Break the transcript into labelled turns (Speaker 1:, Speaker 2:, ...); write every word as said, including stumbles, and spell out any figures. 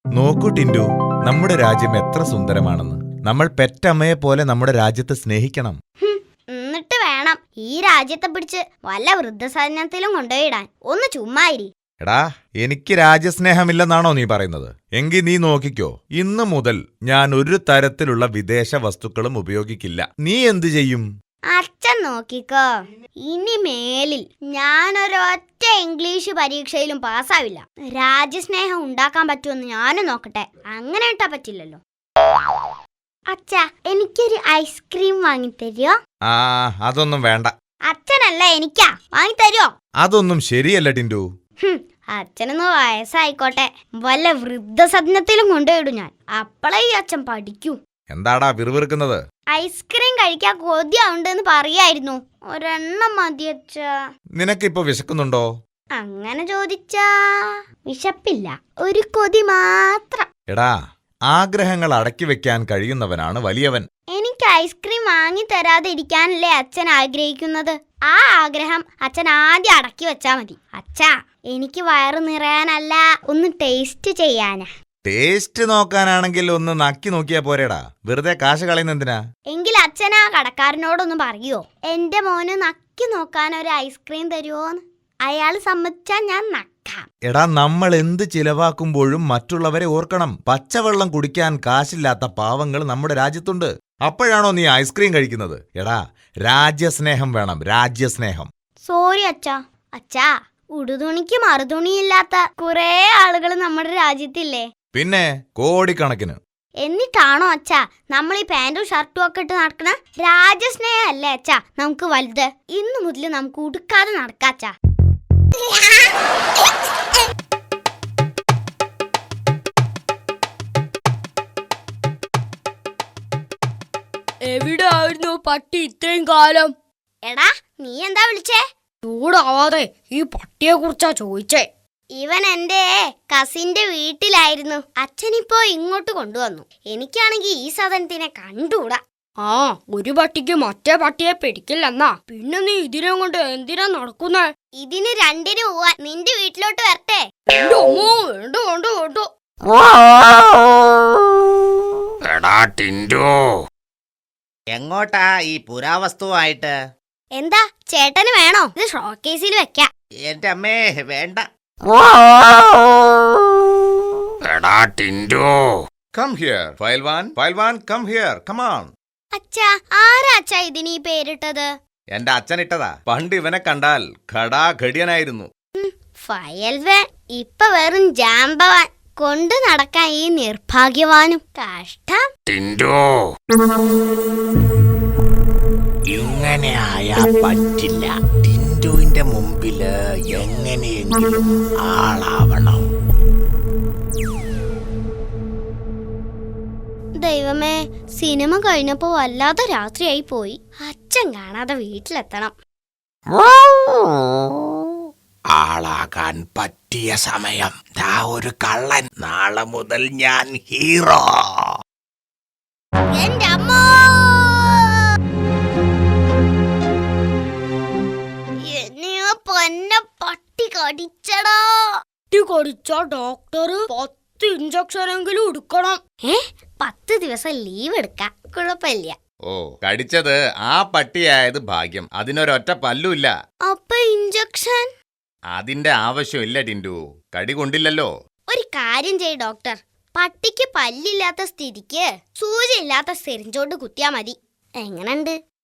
Speaker 1: നോക്കൂ ടിൻഡു, നമ്മുടെ രാജ്യം എത്ര സുന്ദരമാണെന്ന്. നമ്മൾ പെറ്റമ്മയെ പോലെ നമ്മുടെ രാജ്യത്തെ സ്നേഹിക്കണം.
Speaker 2: എന്നിട്ട് വേണം ഈ രാജ്യത്തെ പിടിച്ച് വല്ല വൃദ്ധസദനത്തിലും കൊണ്ടുപോയിടാൻ. ഒന്ന് ചുമ്മായിരി.
Speaker 1: എടാ, എനിക്ക് രാജ്യസ്നേഹമില്ലെന്നാണോ നീ പറയുന്നത്? എങ്കിൽ നീ നോക്കിക്കോ, ഇന്നു മുതൽ ഞാൻ ഒരു തരത്തിലുള്ള വിദേശ വസ്തുക്കളും ഉപയോഗിക്കില്ല. നീ എന്തു ചെയ്യും?
Speaker 2: അച്ഛൻ നോക്കിക്കോ, ഇനി മേലിൽ ഞാനൊരൊറ്റ ഇംഗ്ലീഷ് പരീക്ഷയിലും പാസ്സാവില്ല. രാജ്യസ്നേഹം ഉണ്ടാക്കാൻ പറ്റുമെന്ന് ഞാനും നോക്കട്ടെ. അങ്ങനെ ഇട്ടാ പറ്റില്ലല്ലോ. അച്ഛാ, എനിക്കൊരു ഐസ്ക്രീം വാങ്ങിത്തരുമോ?
Speaker 1: ആ, അതൊന്നും വേണ്ട.
Speaker 2: അച്ഛനല്ല, എനിക്കാ. വാങ്ങിത്തരുമോ?
Speaker 1: അതൊന്നും ശരിയല്ല ടിൻഡു.
Speaker 2: അച്ഛനൊന്ന് വയസ്സായിക്കോട്ടെ, വല്ല വൃദ്ധസദനത്തിലും കൊണ്ടുപോയിടും ഞാൻ. അപ്പളേ ഈ അച്ഛൻ പഠിക്കൂ.
Speaker 1: എന്താടാ വിറുവിറുക്കുന്നത്?
Speaker 2: ഐസ്ക്രീം കഴിക്കാൻ കൊതിയാവുണ്ടെന്ന് പറയായിരുന്നു. ഒരെണ്ണം മതി അച്ഛാ.
Speaker 1: നിനക്കിപ്പോ വിശക്കുന്നുണ്ടോ?
Speaker 2: അങ്ങനെ ചോദിച്ചാ വിശപ്പില്ല, ഒരു കൊതി മാത്രം.
Speaker 1: എടാ, ആഗ്രഹങ്ങൾ അടക്കി വെക്കാൻ കഴിയുന്നവനാണ് വലിയവൻ.
Speaker 2: എനിക്ക് ഐസ്ക്രീം വാങ്ങി തരാതെ ഇരിക്കാനല്ലേ അച്ഛൻ ആഗ്രഹിക്കുന്നത്. ആ ആഗ്രഹം അച്ഛൻ ആദ്യം അടക്കി വെച്ചാ മതി. അച്ഛാ, എനിക്ക് വയറ് നിറയാനല്ല, ഒന്ന് ടേസ്റ്റ് ചെയ്യാനാ.
Speaker 1: ടേസ്റ്റ് നോക്കാനാണെങ്കിൽ ഒന്ന് നക്കി നോക്കിയാ പോരേടാ, വെറുതെ കാശ് കളയുന്നെന്തിനാ?
Speaker 2: എങ്കിൽ അച്ഛൻ ആ കടക്കാരനോടൊന്ന് പറയോ, എന്റെ മോന് നക്കി നോക്കാൻ ഒരു ഐസ്ക്രീം തരുമോന്ന്. അയാള് സമ്മതിച്ചാ ഞാൻ നക്കാം.
Speaker 1: എടാ, നമ്മൾ എന്ത് ചിലവാക്കുമ്പോഴും മറ്റുള്ളവരെ ഓർക്കണം. പച്ചവെള്ളം കുടിക്കാൻ കാശില്ലാത്ത പാവങ്ങൾ നമ്മുടെ രാജ്യത്തുണ്ട്. അപ്പോഴാണോ നീ ഐസ്ക്രീം കഴിക്കുന്നത്? എടാ, രാജ്യസ്നേഹം വേണം, രാജ്യസ്നേഹം.
Speaker 2: സോറി അച്ഛാ. അച്ഛാ, ഉടുതുണിക്ക് മറുതുണിയില്ലാത്ത കുറെ ആളുകൾ നമ്മുടെ രാജ്യത്തില്ലേ?
Speaker 1: പിന്നെ കോടിക്കണക്കിന്.
Speaker 2: എന്നിട്ടാണോ അച്ഛാ നമ്മൾ ഈ പാന്റും ഷർട്ടും ഒക്കെ ഇട്ട് നടക്കണ? രാജ്യസ്നേഹം അല്ലേ അച്ഛാ നമുക്ക് വലുത്. ഇന്നു മുതൽ നമുക്ക് ഉടുക്കാതെ നടക്കാച്ചാ.
Speaker 3: എവിടെ ആയിരുന്നു പട്ടി ഇത്രയും കാലം?
Speaker 2: എടാ, നീ എന്താ വിളിച്ചേ?
Speaker 3: ചൂടാവാതെ ഈ പട്ടിയെ കുറിച്ചാ ചോദിച്ചേ.
Speaker 2: ഇവൻ എന്റെ കസിന്റെ വീട്ടിലായിരുന്നു. അച്ഛനിപ്പോ ഇങ്ങോട്ട് കൊണ്ടുവന്നു. എനിക്കാണെങ്കിൽ ഈ സാധനത്തിനെ കണ്ടുകൂടാ.
Speaker 3: ആ, ഒരു പട്ടിക്ക് മറ്റേ പട്ടിയെ പിടിക്കില്ലെന്നാ. പിന്നെ നീ ഇതിനെ കൊണ്ട് എന്തിനാ നടക്കുന്നേ?
Speaker 2: ഇതിന് രണ്ടിന് പോവാൻ നിന്റെ വീട്ടിലോട്ട് വരട്ടെ?
Speaker 3: വേണ്ടോ വേണ്ടോ വേണ്ടോ വേണ്ടോ.
Speaker 4: എടാ ടിൻഡു, എങ്ങോട്ടാ ഈ പുരാവസ്തുവായിട്ട്?
Speaker 2: എന്താ ചേട്ടന് വേണോ? ഇത് ഷോക്കേസിൽ വെക്കാം.
Speaker 4: എന്റെ അമ്മേ, വേണ്ട. എടാ ടിൻഡു,
Speaker 1: കം ഹിയർ ഫൈൽവാൻ, ഫൈൽവാൻ കം ഹിയർ, കം ഓൺ.
Speaker 2: അച്ഛാ, ആരാ അച്ഛാ ഇതിന് ഈ പേരിട്ടത്?
Speaker 1: എന്റെ അച്ഛൻ ഇട്ടതാ. പണ്ട് ഇവനെ കണ്ടാൽ ഘടാഘടിയനായിരുന്നു.
Speaker 2: ഫയൽവാൻ ഇപ്പൊ വെറും ജാമ്പവാൻ. കൊണ്ടു നടക്കാൻ ഈ നിർഭാഗ്യവാനും. കഷ്ടം.
Speaker 4: ടിൻഡു, ഇങ്ങനെ ആയാ പറ്റില്ല. ടിൻഡുവിന്റെ മുമ്പില് എങ്ങനെയെങ്കിലും ആളാവണം.
Speaker 2: ദൈവമേ, സിനിമ കഴിഞ്ഞപ്പോ വല്ലാതെ രാത്രിയായി പോയി. അച്ഛൻ കാണാതെ വീട്ടിലെത്തണം.
Speaker 4: ആളാകാൻ പറ്റിയ സമയം. ദാ ഒരു കള്ളൻ. നാളെ മുതൽ ഞാൻ ഹീറോ.
Speaker 2: എന്റെ അമ്മോ, എന്നെയോ പൊന്ന പട്ടി കടിച്ചടാ.
Speaker 3: പട്ടി കടിച്ച ഡോക്ടർ പത്ത് ഇഞ്ചക്ഷൻ എങ്കിലും എടുക്കണം.
Speaker 2: ഏ, പത്ത് ദിവസം ലീവ് എടുക്കാം, കുഴപ്പമില്ല.
Speaker 1: ഓ, കടിച്ചത് ആ പട്ടിയായത് ഭാഗ്യം. അതിനൊരൊറ്റ പല്ലുമില്ല.
Speaker 2: അപ്പൊ ഇഞ്ചക്ഷൻ?
Speaker 1: അതിന്റെ ആവശ്യമില്ല ടിൻഡു, കടി കൊണ്ടില്ലല്ലോ.
Speaker 2: ഒരു കാര്യം ചെയ്യ് ഡോക്ടർ, പട്ടിക്ക് പല്ലില്ലാത്ത സ്ഥിതിക്ക് സൂചി ഇല്ലാത്ത സിറിഞ്ചോണ്ട് കുത്തിയാ മതി. എങ്ങനുണ്ട്?